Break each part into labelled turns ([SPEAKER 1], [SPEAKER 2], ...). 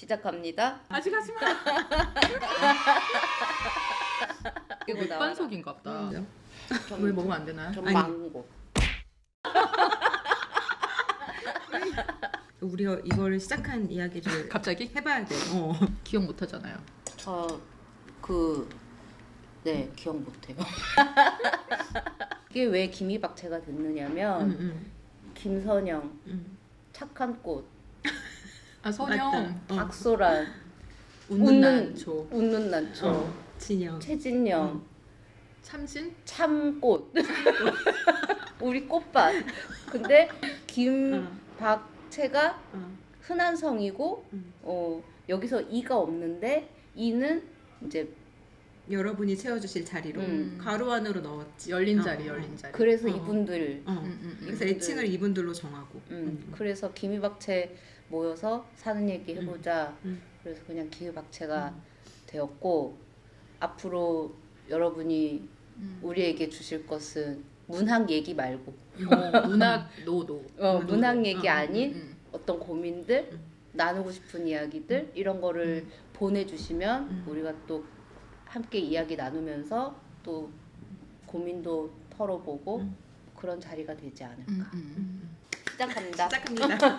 [SPEAKER 1] 시작합니다.
[SPEAKER 2] 아직 하지 마.
[SPEAKER 1] 그리고 나와라.
[SPEAKER 2] 맥반석인가 보다.
[SPEAKER 1] 전-
[SPEAKER 2] 왜 먹으면 안 되나요?
[SPEAKER 1] 전
[SPEAKER 3] 아니.
[SPEAKER 1] 망고.
[SPEAKER 3] 우리가 이거를 시작한 이야기를
[SPEAKER 2] 갑자기?
[SPEAKER 3] 해봐야 돼.
[SPEAKER 2] 기억 못 하잖아요.
[SPEAKER 1] 네, 기억 못해요. 이게 왜 김이박채가 됐느냐면 김선영, 착한 꽃,
[SPEAKER 2] 아 선영,
[SPEAKER 1] 박소란,
[SPEAKER 2] 웃는 난초,
[SPEAKER 1] 웃는 난초,
[SPEAKER 3] 진영,
[SPEAKER 1] 최진영,
[SPEAKER 2] 참신,
[SPEAKER 1] 참꽃, 우리 꽃밭. 근데 김박채가 흔한 성이고 여기서 이가 없는데 이는 이제
[SPEAKER 3] 여러분이 채워주실 자리로 가로 안으로 넣었지.
[SPEAKER 2] 열린 자리, 열린 자리.
[SPEAKER 1] 그래서 이분들
[SPEAKER 3] 그래서 애칭을 이분들로 정하고.
[SPEAKER 1] 그래서 김이박채 모여서 사는 얘기 해보자. 그래서 그냥 김이박채가 되었고 앞으로 여러분이 우리에게 주실 것은 문학 얘기 말고
[SPEAKER 2] 문학 노노.
[SPEAKER 1] 문학 얘기 아닌 어떤 고민들 나누고 싶은 이야기들 이런 거를 보내주시면 우리가 또 함께 이야기 나누면서 또 고민도 털어보고 그런 자리가 되지 않을까. 시작합니다.
[SPEAKER 3] 시작합니다.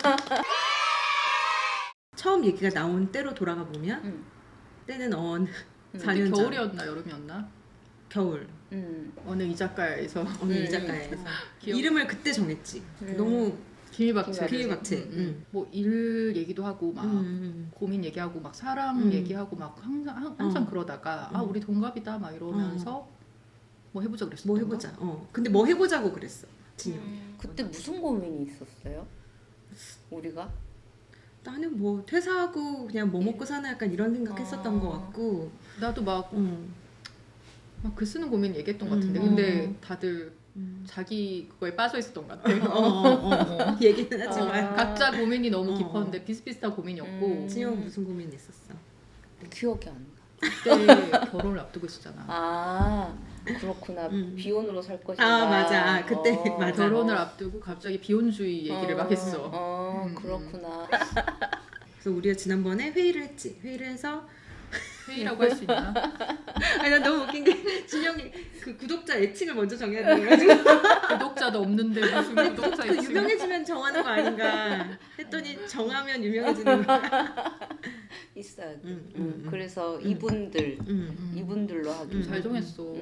[SPEAKER 3] 처음 얘기가 나온 때로 돌아가 보면 때는 어느 4년 전.
[SPEAKER 2] 겨울이었나 여름이었나?
[SPEAKER 3] 겨울.
[SPEAKER 2] 어느 이자카야에서
[SPEAKER 3] 어느 이자카야에서 이름을 그때 정했지. 너무
[SPEAKER 2] 김이박채.
[SPEAKER 3] 김이박채.
[SPEAKER 2] 뭐 일 얘기도 하고 막 고민 얘기하고 막 사랑 얘기하고 막 항상 그러다가 아 우리 동갑이다 막 이러면서 뭐 해보자 그랬어.
[SPEAKER 3] 뭐 해보자. 근데 뭐 해보자고 그랬어. 진영이.
[SPEAKER 1] 그때 무슨 고민이 있었어요? 우리가?
[SPEAKER 3] 나는 뭐 퇴사하고 그냥 뭐 먹고 사나 약간 이런 생각했었던 것 같고.
[SPEAKER 2] 나도 막 글 쓰는 고민 얘기했던 것 같은데 근데 다들 자기 그거에 빠져 있었던 것 같아.
[SPEAKER 3] 얘기는 하지만
[SPEAKER 2] 각자 고민이 너무 깊었는데 비슷비슷한 고민이었고
[SPEAKER 3] 진영 무슨 고민이 있었어?
[SPEAKER 1] 기억이 안 나.
[SPEAKER 2] 그때 결혼을 앞두고 있었잖아.
[SPEAKER 1] 아 그렇구나. 비혼으로 살 것이다.
[SPEAKER 3] 아 맞아. 그때 맞아.
[SPEAKER 2] 결혼을 앞두고 갑자기 비혼주의 얘기를 막 했어.
[SPEAKER 1] 그렇구나.
[SPEAKER 3] 그래서 우리가 지난번에 회의를 했지. 회의를 해서
[SPEAKER 2] 회의라고 할 수 있나?
[SPEAKER 3] 아니 난 너무 웃긴 게 진영이 그 구독자 애칭을 먼저 정해야 돼가지고
[SPEAKER 2] 구독자도 없는데 무슨 구독자
[SPEAKER 3] 그
[SPEAKER 2] 있지?
[SPEAKER 3] 유명해지면 정하는 거 아닌가 했더니 정하면 유명해지는 거야.
[SPEAKER 1] 있어야 돼. 그래서 이분들로 하기.
[SPEAKER 2] 잘 정했어.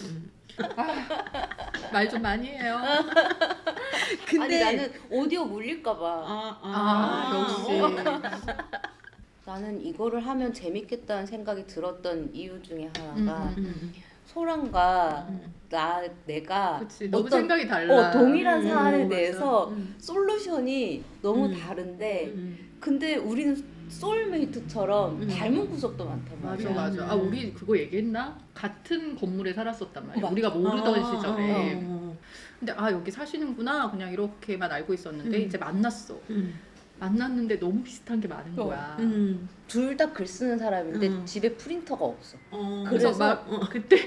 [SPEAKER 2] 말 좀 많이 해요.
[SPEAKER 1] 아니 나는 오디오 물릴까봐.
[SPEAKER 2] 역시.
[SPEAKER 1] 나는 이거를 하면 재밌겠다는 생각이 들었던 이유 중에 하나가 소랑과 내가
[SPEAKER 2] 그치, 너무 생각이 달라.
[SPEAKER 1] 동일한 사안에
[SPEAKER 2] 맞아.
[SPEAKER 1] 대해서 솔루션이 너무 다른데 근데 우리는 소울메이트처럼 닮은 구석도 많단 말이야.
[SPEAKER 2] 맞아. 아 우리 그거 얘기했나? 같은 건물에 살았었단 말이야. 우리가 모르던 시절에. 근데 아 여기 사시는구나 그냥 이렇게만 알고 있었는데 이제 만났어. 만났는데 너무 비슷한 게 많은 거야.
[SPEAKER 1] 둘 다 글 쓰는 사람인데 집에 프린터가 없어.
[SPEAKER 2] 그래서
[SPEAKER 1] 그래서
[SPEAKER 2] 막 그때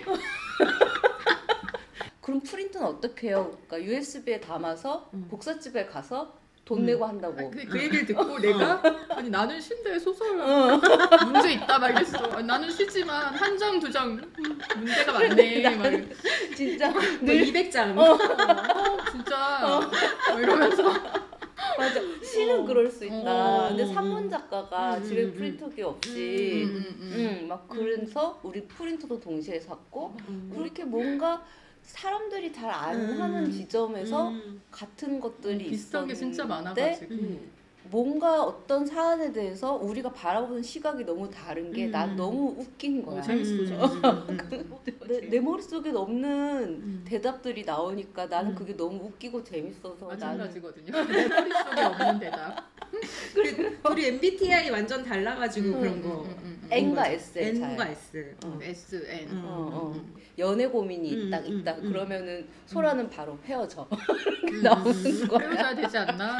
[SPEAKER 1] 그럼 프린터는 어떻게 해요? 그러니까 USB에 담아서 복사집에 가서 돈 내고 한다고.
[SPEAKER 2] 그 얘기를 듣고 내가 아니 나는 쉰데 소설 문제 있다 막 이랬어. 아니, 나는 쉬지만 한 장 두 장 문제가 많네. 막
[SPEAKER 1] 진짜
[SPEAKER 3] 뭐
[SPEAKER 1] 늘
[SPEAKER 3] 200장.
[SPEAKER 2] 진짜 막 이러면서
[SPEAKER 1] 맞아. 시는 그럴 수 있다. 근데 산문 작가가 집에
[SPEAKER 3] 음.
[SPEAKER 1] 프린터기 없이 막 그래서 우리 프린터도 동시에 샀고 그렇게 뭔가 사람들이 잘 안 하는 지점에서 같은 것들이
[SPEAKER 2] 비슷한 게 진짜
[SPEAKER 1] 있었는데
[SPEAKER 2] 많아가지고
[SPEAKER 1] 뭔가 어떤 사안에 대해서 우리가 바라보는 시각이 너무 다른 게 난 너무 웃긴 거야.
[SPEAKER 2] 재밌어.
[SPEAKER 1] 내 머릿속에 없는 대답들이 나오니까 나는 그게 너무 웃기고 재밌어서 나는
[SPEAKER 2] 마찬가지거든요. 내 머릿속에 없는 대답.
[SPEAKER 3] 우리 MBTI 완전 달라가지고 그런 거.
[SPEAKER 1] N과 S
[SPEAKER 3] N과 S.
[SPEAKER 2] S, N.
[SPEAKER 1] 연애 고민이 있다. 그러면은 소라는 바로 헤어져. 나오는 거야.
[SPEAKER 2] 헤어져야 되지 않나?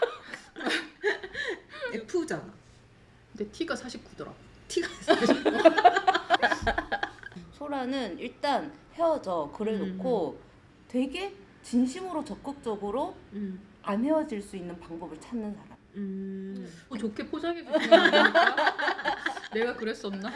[SPEAKER 3] F잖아.
[SPEAKER 2] 근데 T가 49더라.
[SPEAKER 3] T가
[SPEAKER 1] 소라는 일단 헤어져 그래놓고 되게 진심으로 적극적으로 안 헤어질 수 있는 방법을 찾는 사람.
[SPEAKER 2] 좋게 포장해 주시는 거니까 내가 그랬었나?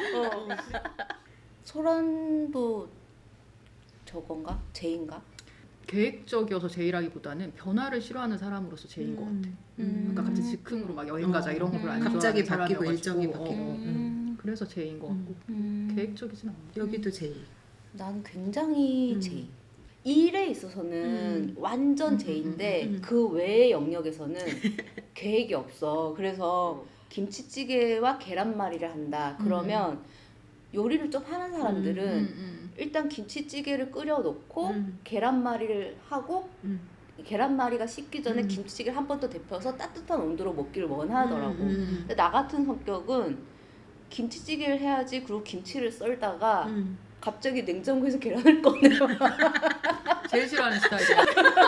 [SPEAKER 1] 소란도 저건가? 제인가?
[SPEAKER 2] 계획적이어서 제이라기보다는 변화를 싫어하는 사람으로서 제인 것 같아. 그러니까 갑자기 즉흥으로 막 여행 가자 이런 거 별로 안 좋아하는
[SPEAKER 3] 갑자기 바뀌고
[SPEAKER 2] 사람이어가지고.
[SPEAKER 3] 일정이 바뀌고.
[SPEAKER 2] 그래서 제인 것 같고 계획적이진 않아.
[SPEAKER 3] 여기도 제이.
[SPEAKER 1] 나는 굉장히 제이. 일에 있어서는 완전 제인데 그 외의 영역에서는 계획이 없어. 그래서 김치찌개와 계란말이를 한다. 그러면 요리를 좀 하는 사람들은 일단 김치찌개를 끓여놓고 계란말이를 하고 계란말이가 식기 전에 김치찌개를 한 번 더 데펴서 따뜻한 온도로 먹기를 원하더라고. 근데 나 같은 성격은 김치찌개를 해야지. 그리고 김치를 썰다가 갑자기 냉장고에서 계란을 꺼내요.
[SPEAKER 2] 제일 싫어하는 스타일이야.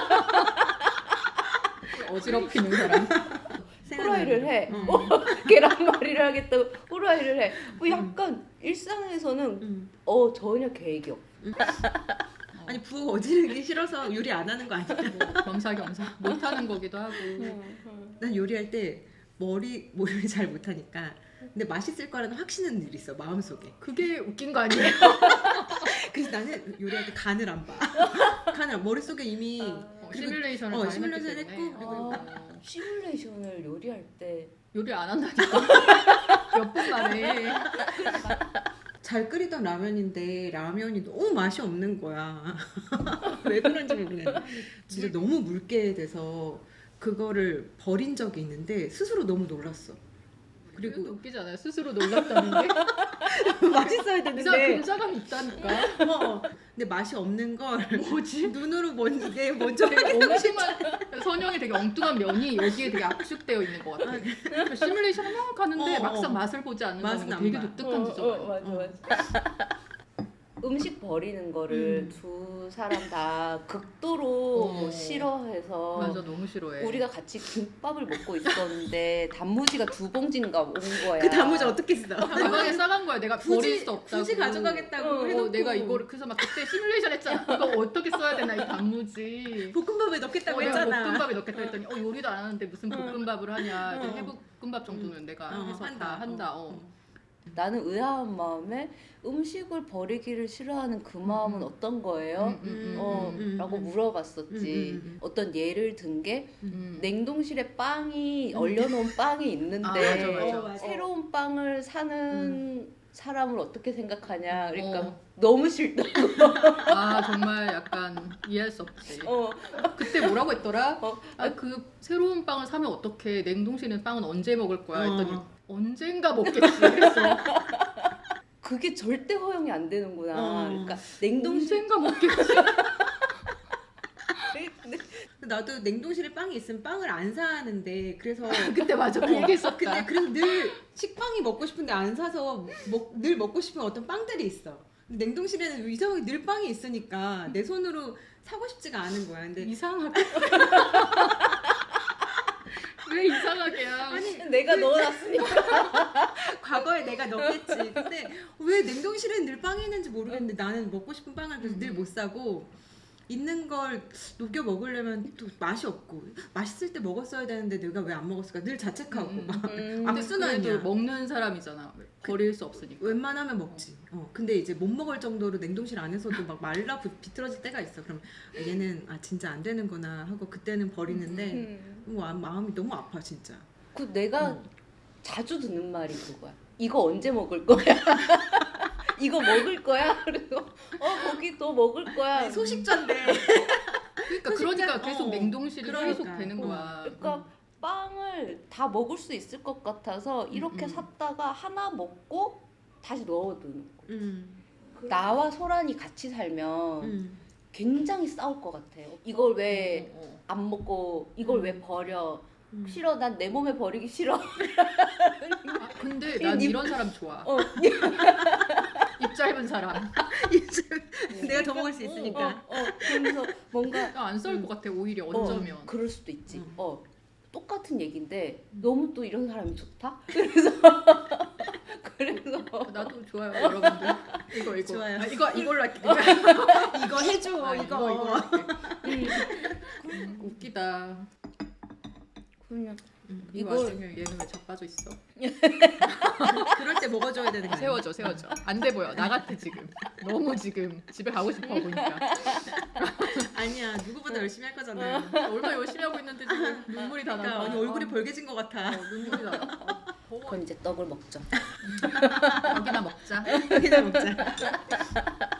[SPEAKER 2] 어지럽히는 사람.
[SPEAKER 1] 후라이를 해. 계란말이를 하겠다고 후라이를 해. 뭐 약간 일상에서는 전혀 계획이 없어.
[SPEAKER 3] 아니 부엌 어지르기 싫어서 요리 안 하는 거 아니야?
[SPEAKER 2] 겸사겸사 못하는 거기도 하고.
[SPEAKER 3] 난 요리할 때 머리를 잘 못하니까 근데 맛있을 거라는 확신은 늘 있어 마음속에.
[SPEAKER 2] 그게 웃긴 거 아니에요?
[SPEAKER 3] 그래서 나는 요리할 때 간을 안 봐. 머릿속에 이미
[SPEAKER 2] 시뮬레이션을 다
[SPEAKER 3] 시뮬레이션
[SPEAKER 2] 해놨기 때문에.
[SPEAKER 3] 했고
[SPEAKER 1] 시뮬레이션을 요리할 때
[SPEAKER 2] 요리 안 한다니까. 몇 분 만에.
[SPEAKER 3] 잘 끓이던 라면인데 라면이 너무 맛이 없는 거야. 왜 그런지 모르겠는데 진짜 너무 묽게 돼서 그거를 버린 적이 있는데 스스로 너무 놀랐어.
[SPEAKER 2] 그리고
[SPEAKER 3] 그리고
[SPEAKER 2] 웃기지 않아요? 스스로 놀랐다는 게.
[SPEAKER 3] 맛있어야
[SPEAKER 2] 이상
[SPEAKER 3] 되는데
[SPEAKER 2] 근자감이 있다니까.
[SPEAKER 3] 근데 맛이 없는 걸
[SPEAKER 2] 뭐지?
[SPEAKER 3] 눈으로 이게 먼저
[SPEAKER 2] 되게 엉뚱한 선영이 되게 엉뚱한 면이 여기에 되게 압축되어 있는 것 같아. 그러니까 시뮬레이션 막 하는데 막상 맛을 보지 않는다는 거 되게 독특한 지점.
[SPEAKER 1] 맞아. 음식 버리는 거를 두 사람 다 극도로 싫어해서
[SPEAKER 2] 맞아, 너무 싫어해.
[SPEAKER 1] 우리가 같이 김밥을 먹고 있었는데 단무지가 2봉지인가 온 거야.
[SPEAKER 3] 그 단무지 어떻게 써?
[SPEAKER 2] 가방에 싸간 거야. 내가 버릴 수 없다고.
[SPEAKER 3] 굳이 가져가겠다고 해놓고
[SPEAKER 2] 내가 이거를 그래서 막 그때 시뮬레이션 했잖아. 이거 어떻게 써야 되나 이 단무지.
[SPEAKER 3] 볶음밥에 넣겠다고
[SPEAKER 2] 내가
[SPEAKER 3] 했잖아.
[SPEAKER 2] 볶음밥에 넣겠다 했더니 요리도 안 하는데 무슨 볶음밥을 하냐. 해볶음밥 정도는 내가 해서 다 한다.
[SPEAKER 1] 나는 의아한 마음에 음식을 버리기를 싫어하는 그 마음은 어떤 거예요? 라고 물어봤었지. 어떤 예를 든 게 냉동실에 빵이 얼려놓은 빵이 있는데
[SPEAKER 2] 맞아.
[SPEAKER 1] 새로운 빵을 사는 사람을 어떻게 생각하냐. 그러니까 너무 싫다고.
[SPEAKER 2] 정말 약간 이해할 수 없지. 그때 뭐라고 했더라? 그 새로운 빵을 사면 어떡해. 냉동실에 있는 빵은 언제 먹을 거야? 했더니 언젠가 먹겠지. 그랬어.
[SPEAKER 1] 그게 절대 허용이 안 되는구나. 그러니까 냉동실
[SPEAKER 2] 언젠가 먹겠지.
[SPEAKER 3] 나도 냉동실에 빵이 있으면 빵을 안 사는데 그래서
[SPEAKER 2] 그때 맞아 그 얘기했었다.
[SPEAKER 3] 근데 그래서 늘 식빵이 먹고 싶은데 안 사서 늘 먹고 싶은 어떤 빵들이 있어. 냉동실에는 이상하게 늘 빵이 있으니까 내 손으로 사고 싶지가 않은 거야. 근데
[SPEAKER 2] 이상하게. 왜 이상하게야?
[SPEAKER 3] 아니
[SPEAKER 1] 내가 넣어놨으니까.
[SPEAKER 3] 과거에 내가 넣겠지. 근데 왜 냉동실에 늘 빵이 있는지 모르겠는데 나는 먹고 싶은 빵을 그래서 늘 못 사고 있는 걸 녹여 먹으려면 또 맛이 없고 맛있을 때 먹었어야 되는데 내가 왜 안 먹었을까 늘 자책하고 막 악순환이야.
[SPEAKER 2] 그래도 먹는 사람이잖아. 버릴 수 없으니까.
[SPEAKER 3] 웬만하면 먹지. 근데 이제 못 먹을 정도로 냉동실 안에서도 막 말라 비틀어질 때가 있어. 그럼 얘는 진짜 안 되는구나 하고 그때는 버리는데 마음이 너무 아파 진짜.
[SPEAKER 1] 그 내가 자주 듣는 말이 그거야. 이거 언제 먹을 거야? 이거 먹을 거야? 그리고 거기 또 먹을 거야.
[SPEAKER 3] 아니, 소식자인데.
[SPEAKER 2] 그러니까 계속 냉동실이 계속
[SPEAKER 3] 그러니까.
[SPEAKER 2] 되는 거야.
[SPEAKER 1] 그러니까 빵을 다 먹을 수 있을 것 같아서 이렇게 샀다가 하나 먹고 다시 넣어두는 거. 나와 소란이 같이 살면 굉장히 싸울 것 같아. 이걸 왜 안 먹고 이걸 왜 버려? 싫어. 난 내 몸에 버리기 싫어.
[SPEAKER 2] 근데 난 이런 사람 좋아. 입 짧은 사람.
[SPEAKER 3] 내가 더 먹을 수 있으니까.
[SPEAKER 1] 그래서 뭔가
[SPEAKER 2] 안 싸울 것 같아. 오히려 어쩌면.
[SPEAKER 1] 그럴 수도 있지. 똑같은 얘기인데
[SPEAKER 2] 음.
[SPEAKER 1] 너무 또 이런 사람이 좋다. 그래서
[SPEAKER 2] 나도 좋아요, 여러분들. 이거
[SPEAKER 3] 좋아요.
[SPEAKER 2] 이걸로 할게.
[SPEAKER 3] 이거 해줘.
[SPEAKER 2] 이거 할게. 웃기다.
[SPEAKER 1] 그냥
[SPEAKER 2] 이
[SPEAKER 1] 이걸-
[SPEAKER 2] 와중에 얘는 왜 자빠져 있어?
[SPEAKER 3] 그럴 때 먹어줘야 되는 거 아니야?
[SPEAKER 2] 세워줘. 안 돼 보여. 나 같아 지금. 너무 지금 집에 가고 싶어 보니까.
[SPEAKER 3] 아니야 누구보다 열심히 할 거잖아.
[SPEAKER 2] 얼마나 열심히 하고 있는데 지금 눈물이 다
[SPEAKER 3] 그러니까
[SPEAKER 2] 나.
[SPEAKER 3] 언니 얼굴이 벌개진 것 같아.
[SPEAKER 2] 눈물이 나.
[SPEAKER 1] 그럼 이제 떡을 먹죠.
[SPEAKER 2] 여기나 먹자.
[SPEAKER 3] 여기다 먹자.